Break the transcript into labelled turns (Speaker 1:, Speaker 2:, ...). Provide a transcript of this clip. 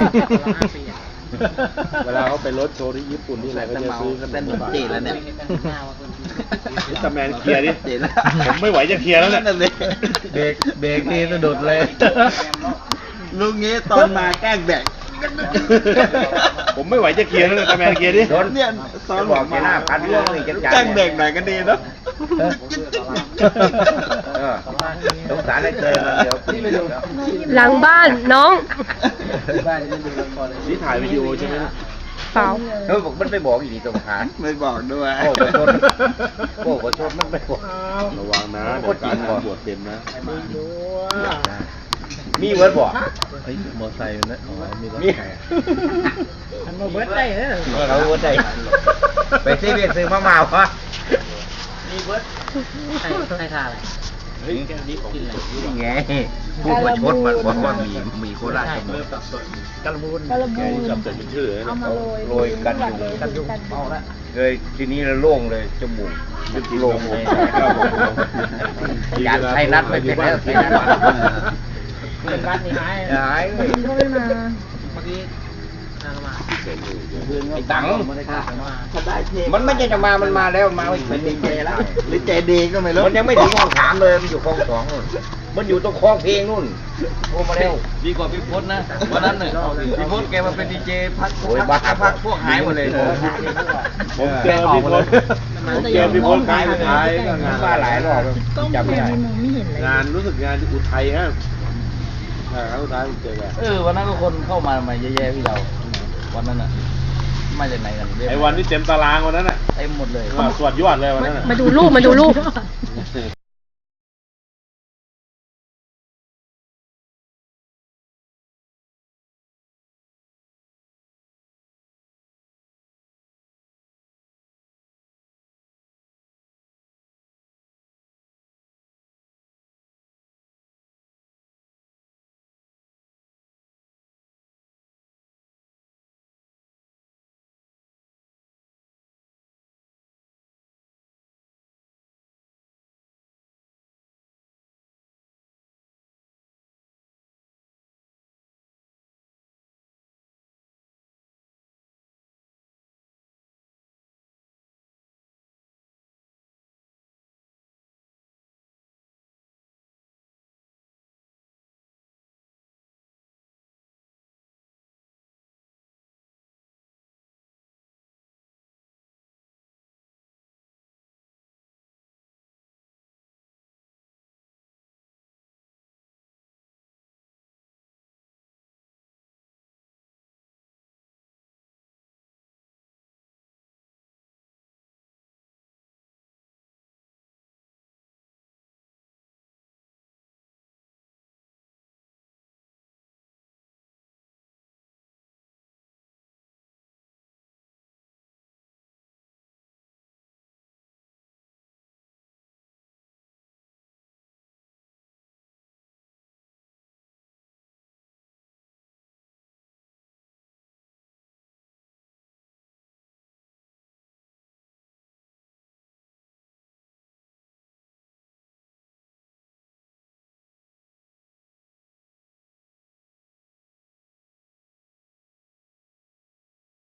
Speaker 1: เวลาเขาไปรถโชว์ที่ญี่ปุ่นที่อะไรก็จะซื้อขน
Speaker 2: เป็น
Speaker 1: ม
Speaker 2: เหมือน
Speaker 1: ฝาก
Speaker 2: จีนแล้วเนี่ย
Speaker 1: มิสเตอร์แมนเคลียร์ดิ
Speaker 2: จีนแล้ว
Speaker 1: ผมไม่ไหวจะเคลียร์แล้วเนี่ย
Speaker 2: นั่นเลย
Speaker 3: เบรกนี่สะดุดเลย
Speaker 2: ลุงงี้ตอนมาแกล้งแบก
Speaker 1: ผมไม่ไหวจะเคลียร์แล้วเนี่ยมิสเตอร์แมนเคลียร์ดิ
Speaker 2: เนี่ยตอนบอกมาพันเรื่องเลยแกล้งเด็กหน่อยก็ดีเนาะ
Speaker 3: สงสารได้เจอมันเดี๋ยว
Speaker 4: หลังบ้านน้อง
Speaker 1: นี่ถ่ายวิดีโอใช่ไหมเนี่ย
Speaker 4: เปล่า
Speaker 3: เขาบอกมันไปบอกอีกทีตรงหา
Speaker 2: ไม่บอกด้วย
Speaker 3: โอ้ขอโทษโอ้ขอโทษมันไปบอก
Speaker 1: ระวังนะเดี๋ยวการงานบวชเต็มนะ
Speaker 3: มีเวิร์ดบอก
Speaker 1: เฮ้ยมอไซค์นะอ๋อมีรถ
Speaker 3: มี
Speaker 4: มันมาเบิร์ดได้เหรอ
Speaker 3: เขาเวิร์ดได้ไปซีเวียนซื้อมะม่าวะ
Speaker 4: ใครทาอะไร
Speaker 1: เฮ้ยแกนี้ของกินอะไร
Speaker 3: นี่ไงผู้ประชดมันบอกว่ามีโคราชกำหนด
Speaker 4: กระบูน
Speaker 1: แกนี่จำแต่เป็นชื่อเลยนะ
Speaker 3: โรยกันอยู่เลยทีนี้เราโล่งเลยจมูกโล่งเลยอยากใช้นัดไปเป็นแล้วใช้นัด
Speaker 4: บ้านนี้หาย
Speaker 3: หายเลย
Speaker 4: ก็ไม่มา
Speaker 3: ไอ้ตัง
Speaker 2: ถ้าได้เท
Speaker 3: มันไม่ใช่จะมามันมาแล้วมาเป็นดีเจแล้ว
Speaker 2: หรือใจดีก็ไม่รู้
Speaker 3: มันยังไม่ถึงห้องสามเลยมันอยู่ห้องสองนู่นมันอยู่ตรงคลองเพลงนู่นโทรมาแล้ว
Speaker 2: ดีกว่าพี่พศนะวันนั้นเนี่ยพี่พศแกมาเป็นดีเจพัก
Speaker 3: โอ้ยบ้า
Speaker 2: พักพวกหายหมดเลย
Speaker 1: ผมเจอพี่พลผมเจอพี่พลคล้ายไปท้ายก็งาน
Speaker 3: มาหลายรอบจำไม่ได้
Speaker 1: งานรู้สึกงานที่อุทัยฮะครั้งสุดท้ายผมเจอแก
Speaker 2: วันนั้นก็คนเข้ามาเยอะแยะพี่เราวันนั้นอ่ะมาจากไหนกัน
Speaker 1: ไอ้วันที่เต็มตารางวันนั้นอ่ะ
Speaker 2: เต็มหมดเลย
Speaker 1: สวดยอดเลยวันนั้นอ่ะ
Speaker 4: มาดูรูปมาดูรูป